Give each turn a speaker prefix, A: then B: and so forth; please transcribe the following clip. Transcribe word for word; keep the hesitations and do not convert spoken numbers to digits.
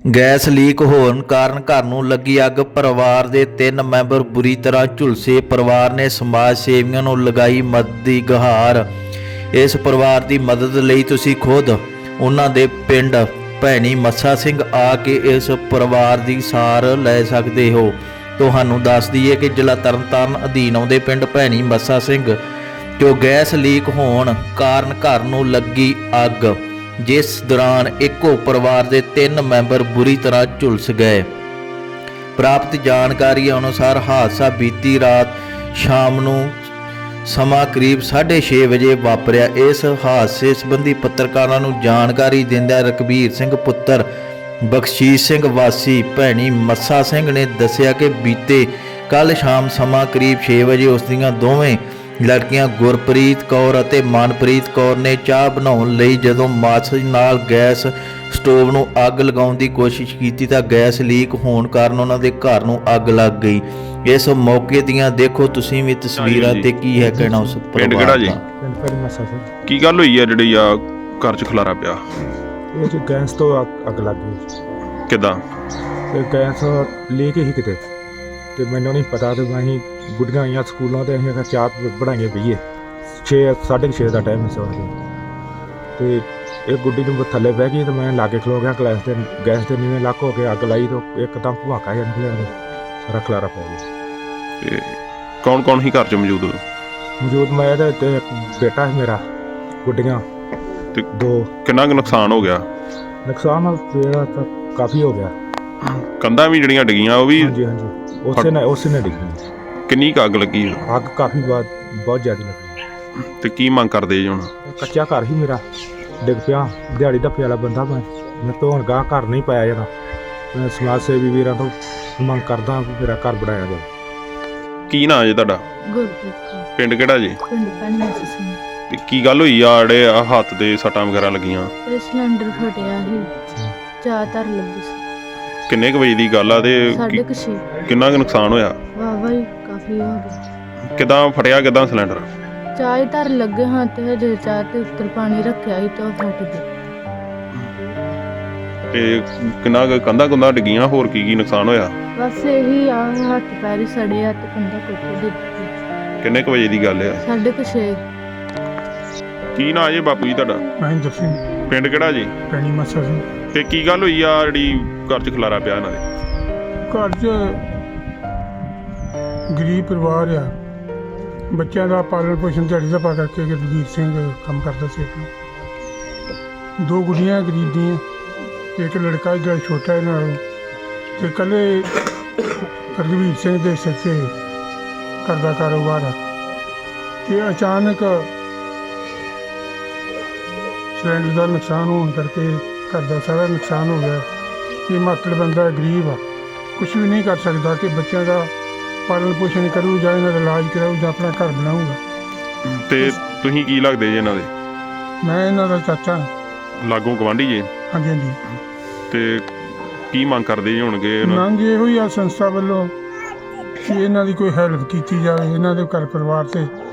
A: Gas leak ਹੋਣ ਕਾਰਨ ਘਰ ਨੂੰ ਲੱਗੀ ਅੱਗ। ਪਰਿਵਾਰ ਦੇ ਤਿੰਨ ਮੈਂਬਰ ਬੁਰੀ ਤਰ੍ਹਾਂ ਝੁਲਸੇ। ਪਰਿਵਾਰ ਨੇ ਸਮਾਜ ਸੇਵੀਆਂ ਨੂੰ ਲਗਾਈ ਮਦਦ ਦੀ ਗੁਹਾਰ। ਇਸ ਪਰਿਵਾਰ ਦੀ ਮਦਦ ਲਈ ਤੁਸੀਂ ਖੁਦ ਉਹਨਾਂ ਦੇ ਪਿੰਡ ਭੈਣੀ ਮੱਸਾ ਸਿੰਘ ਆ ਕੇ ਇਸ ਪਰਿਵਾਰ ਦੀ ਸਾਰ ਲੈ ਸਕਦੇ ਹੋ। ਤੁਹਾਨੂੰ ਦੱਸ ਦਈਏ ਕਿ ਜ਼ਿਲ੍ਹਾ ਤਰਨਤਾਰਨ ਅਧੀਨ ਆਉਂਦੇ ਪਿੰਡ ਭੈਣੀ ਮੱਸਾ ਸਿੰਘ ਜੋ ਗੈਸ ਲੀਕ ਹੋਣ ਕਾਰਨ ਘਰ ਨੂੰ ਲੱਗੀ ਅੱਗ, ਜਿਸ ਦੌਰਾਨ ਇੱਕੋ ਪਰਿਵਾਰ ਦੇ ਤਿੰਨ ਮੈਂਬਰ ਬੁਰੀ ਤਰ੍ਹਾਂ ਝੁਲਸ ਗਏ। ਪ੍ਰਾਪਤ ਜਾਣਕਾਰੀ ਅਨੁਸਾਰ ਹਾਦਸਾ ਬੀਤੀ ਰਾਤ ਸ਼ਾਮ ਨੂੰ ਸਮਾਂ ਕਰੀਬ ਸਾਢੇ ਛੇ ਵਜੇ ਵਾਪਰਿਆ। ਇਸ ਹਾਦਸੇ ਸੰਬੰਧੀ ਪੱਤਰਕਾਰਾਂ ਨੂੰ ਜਾਣਕਾਰੀ ਦਿੰਦਿਆਂ ਰਘਬੀਰ ਸਿੰਘ ਪੁੱਤਰ ਬਖਸ਼ੀਸ਼ ਸਿੰਘ ਵਾਸੀ ਭੈਣੀ ਮੱਸਾ ਸਿੰਘ ਨੇ ਦੱਸਿਆ ਕਿ ਬੀਤੇ ਕੱਲ੍ਹ ਸ਼ਾਮ ਸਮਾਂ ਕਰੀਬ ਛੇ ਵਜੇ ਉਸ ਦੀਆਂ ਦੋਵੇਂ ਲੜਕੀਆਂ ਗੁਰਪ੍ਰੀਤ ਕੌਰ ਅਤੇ ਮਨਪ੍ਰੀਤ ਕੌਰ ਨੇ ਚਾਹ ਬਣਾਉਣ ਲਈ ਜਦੋਂ ਮਾਚਿਸ ਨਾਲ ਗੈਸ ਸਟੋਵ ਨੂੰ ਅੱਗ ਲਗਾਉਣ ਦੀ ਕੋਸ਼ਿਸ਼ ਕੀਤੀ ਤਾਂ ਗੈਸ ਲੀਕ ਹੋਣ ਕਾਰਨ ਉਹਨਾਂ ਦੇ ਘਰ ਨੂੰ ਅੱਗ ਲੱਗ ਗਈ। ਇਸ ਮੌਕੇ ਦੀਆਂ ਦੇਖੋ ਤੁਸੀਂ ਵੀ ਤਸਵੀਰਾਂ ਤੇ ਕੀ ਹੈ ਕਹਿਣਾ ਉਸ
B: ਪਿੰਡ ਕਿਹੜਾ ਜੀ?
C: ਪਿੰਡ ਭੈਣੀ ਮੱਸਾ ਸਿੰਘ।
B: ਕੀ ਗੱਲ ਹੋਈ ਆ ਜਿਹੜੀ ਆ ਘਰ 'ਚ ਖਲਾਰਾ ਪਿਆ?
C: ਇਹ ਜੀ ਗੈਸ ਤੋਂ ਅੱਗ- ਅੱਗ ਲੱਗ ਗਈ
B: ਕਿੱਦਾਂ?
C: ਤੇ ਗੈਸ ਲੀਕ ਹੀ ਕਿਤੇ, ਤੇ ਮੈਨੂੰ ਨਹੀਂ ਪਤਾ। ਤੇ ਅਸੀਂ ਗੁੱਡੀਆਂ ਆਈਆਂ ਸਕੂਲਾਂ ਤੇ ਅਸੀਂ ਚਾਹ ਬਣਾਈਏ ਪਈਏ। ਛੇ ਸਾਢੇ ਛੇ ਦਾ ਟਾਈਮ ਸੀ ਸਵੇਰ ਤੇ ਇੱਕ ਗੁੱਡੀ ਨੂੰ ਥੱਲੇ ਬਹਿ ਗਈ ਤੇ ਮੈਂ ਲਾਗੇ ਖਲੋ ਗਿਆ ਗੈਸ ਤੇ ਗੈਸ ਤੇ ਨੀਵੇਂ ਲੱਕ ਹੋ ਕੇ ਅੱਗ ਲਾਈ ਤੇ ਇੱਕਦਮ ਭਵਾਕਾ ਜਿਹਾ ਨਿਕਲਿਆ ਤੇ ਸਾਰਾ ਖਲਾਰਾ ਪੈ ਗਿਆ।
B: ਤੇ ਕੌਣ ਕੌਣ ਹੀ ਘਰ 'ਚ ਮੌਜੂਦ?
C: ਮੌਜੂਦ ਮੈਂ ਤੇ ਤੇ ਇੱਕ ਬੇਟਾ ਸੀ ਮੇਰਾ, ਗੁੱਡੀਆਂ
B: ਤੇ
C: ਦੋ।
B: ਕਿੰਨਾ ਕੁ ਨੁਕਸਾਨ ਹੋ ਗਿਆ?
C: ਨੁਕਸਾਨ ਮੇਰਾ ਤਾਂ ਕਾਫੀ ਹੋ ਗਿਆ।
B: ਕੰਧਾਂ ਵੀ ਜਿਹੜੀਆਂ ਡਿੱਗੀਆਂ ਉਹ ਵੀ?
C: ਹਾਂਜੀ ਹਾਂਜੀ ਉਸੇ ਨੇ ਉਸੇ ਨੇ ਡਿੱਗੀ।
B: ਕਿੰਨੀ ਕੁ ਅੱਗ ਲੱਗੀ?
C: ਅੱਗ ਕਾਫੀ ਬਾਤ ਬਹੁਤ ਜ਼ਿਆਦਾ ਲੱਗੀ।
B: ਤੇ ਕੀ ਮੰਗ ਕਰਦੇ ਜੀ ਹੁਣ?
C: ਕੱਚਾ ਘਰ ਹੀ ਮੇਰਾ ਡਿੱਗ ਪਿਆ। ਦਿਹਾੜੀ ਧੱਪੇ ਵਾਲਾ ਬੰਦਾ ਮੈਂ ਮੈਂ ਤੋਂ ਹੁਣ ਗਾਹ ਘਰ ਨਹੀਂ ਪਾਇਆ ਜਾਣਾ। ਮੈਂ ਸਮਾਜ ਸੇਵੀ ਵੀਰਾਂ ਤੋਂ ਮੰਗ ਕਰਦਾ ਵੀ ਮੇਰਾ ਘਰ ਬਣਾਇਆ ਜਾਵੇ।
B: ਕੀ ਨਾਂ ਜੀ ਤੁਹਾਡਾ?
D: ਗੁਰਪ੍ਰੀਤ ਕੌਰ,
B: ਪਿੰਡ ਕਿਹੜਾ ਜੀ?
D: ਪਿੰਡ ਭੈਣੀ ਮੱਸਾ ਸਿੰਘ।
B: ਤੇ ਕੀ ਗੱਲ ਹੋਈ ਆ ਜਿਹੜੇ ਆ ਹੱਥ ਦੇ ਸੱਟਾਂ ਵਗੈਰਾ ਲੱਗੀਆਂ?
D: ਇਹ ਸਿਲੰਡਰ ਫਟਿਆ ਸੀ, ਚਾਹ ਧਰ ਲੱਗੀ ਸੀ।
B: ਕਿੰਨੇ ਕੁ ਵਜੇ ਦੀ ਗੱਲ ਆ ਤੇ
D: ਸਾਢੇ ਕੁ ਛੇ।
B: ਕਿੰਨਾ ਕੁ ਨੁਕਸਾਨ ਹੋਇਆ?
D: ਵਾਹ ਹੀ ਕਾਫੀ ਹੋ ਗਿਆ।
B: ਕਿੱਦਾਂ ਫਟਿਆ? ਕਿੱਦਾਂ ਸਿਲੰਡਰ?
D: ਚਾਹ ਹੀ ਧਰ ਲੱਗੇ ਹਾਂ ਤੇ ਹਜੇ ਚਾਹ ਤੇ ਉੱਤਰ ਪਾਣੀ ਰੱਖਿਆ ਸੀ ਤਾਂ ਉਹ ਫਟ ਗਿਆ।
B: ਤੇ ਕਿੰਨਾ ਕੁ ਕੰਧਾਂ ਕੁੰਧਾਂ ਡਿੱਗੀਆਂ? ਹੋਰ ਕੀ ਕੀ ਨੁਕਸਾਨ ਹੋਇਆ?
D: ਬਸ ਇਹੀ ਆ, ਹੱਥ ਪੈਰ ਹੀ ਸੜੇ ਆ ਤੇ ਕੰਧਾ ਕੋਠੇ ਡਿੱਗ ਗਈ।
B: ਕਿੰਨੇ ਕੁ ਵਜੇ ਦੀ ਗੱਲ ਆ?
D: ਸਾਢੇ ਕੁ ਛੇ।
B: ਕੀ ਨਾਂ ਜੀ ਬਾਪੂ ਜੀ ਤੁਹਾਡਾ?
C: ਮਹਿੰਦਰ ਸਿੰਘ,
B: ਪਿੰਡ ਕਿਹੜਾ ਜੀ?
C: ਭੈਣੀ ਮੱਸਾ ਸਿੰਘ।
B: ਤੇ ਕੀ ਗੱਲ ਹੋਈ ਆ ਜਿਹੜੀ ਘਰ 'ਚ ਖਲਾਰਾ ਪਿਆ ਇਹਨਾਂ ਦੇ?
E: ਘਰ 'ਚ ਗਰੀਬ ਪਰਿਵਾਰ ਆ, ਬੱਚਿਆਂ ਦਾ ਪਾਲਣ ਪੋਸ਼ਣ ਦਿਹਾੜੀ ਦਾ ਪਾ ਕਰਕੇ ਰਘਬੀਰ ਸਿੰਘ ਕੰਮ ਕਰਦਾ ਸੀ ਆਪਣਾ। ਦੋ ਗੁੱਡੀਆਂ ਗਰੀਬ ਦੀਆਂ, ਇੱਕ ਲੜਕਾ ਜਿਹੜਾ ਛੋਟਾ ਇਹਨਾਂ ਨਾਲੋਂ, ਤੇ ਇਕੱਲੇ ਰਘਬੀਰ ਸਿੰਘ ਦੇ ਸਿਰ 'ਤੇ ਘਰ ਦਾ ਕਾਰੋਬਾਰ ਆ। ਤੇ ਅਚਾਨਕ ਸਿਲੰਡਰ ਦਾ ਨੁਕਸਾਨ ਹੋਣ ਕਰਕੇ ਘਰ ਦਾ ਸਾਰਾ ਨੁਕਸਾਨ ਹੋ ਗਿਆ। ਇਹ ਮਾਤੜ ਬੰਦਾ ਗਰੀਬ ਆ, ਕੁਛ ਵੀ ਨਹੀਂ ਕਰ ਸਕਦਾ ਕਿ ਬੱਚਿਆਂ ਦਾ ਪਾਲਣ ਪੋਸ਼ਣ ਕਰੂ ਜਾਂ ਇਹਨਾਂ ਦਾ ਇਲਾਜ ਕਰਾਊ ਜਾਂ ਆਪਣਾ ਘਰ ਬਣਾਊਗਾ।
B: ਤੇ ਤੁਸੀਂ ਕੀ ਲੱਗਦੇ ਜੀ ਇਹਨਾਂ ਦੇ?
E: ਮੈਂ ਇਹਨਾਂ ਦਾ ਚਾਚਾ ਹਾਂ।
B: ਲਾਗੋਂ ਗਵਾਂਢੀ ਜੀ?
E: ਹਾਂਜੀ ਹਾਂਜੀ।
B: ਤੇ ਕੀ ਮੰਗ ਕਰਦੇ ਜੀ ਹੋਣਗੇ?
E: ਮੰਗ ਇਹੋ ਹੀ ਆ ਸੰਸਥਾ ਵੱਲੋਂ ਕਿ ਇਹਨਾਂ ਦੀ ਕੋਈ ਹੈਲਪ ਕੀਤੀ ਜਾਵੇ, ਇਹਨਾਂ ਦੇ ਘਰ ਪਰਿਵਾਰ 'ਤੇ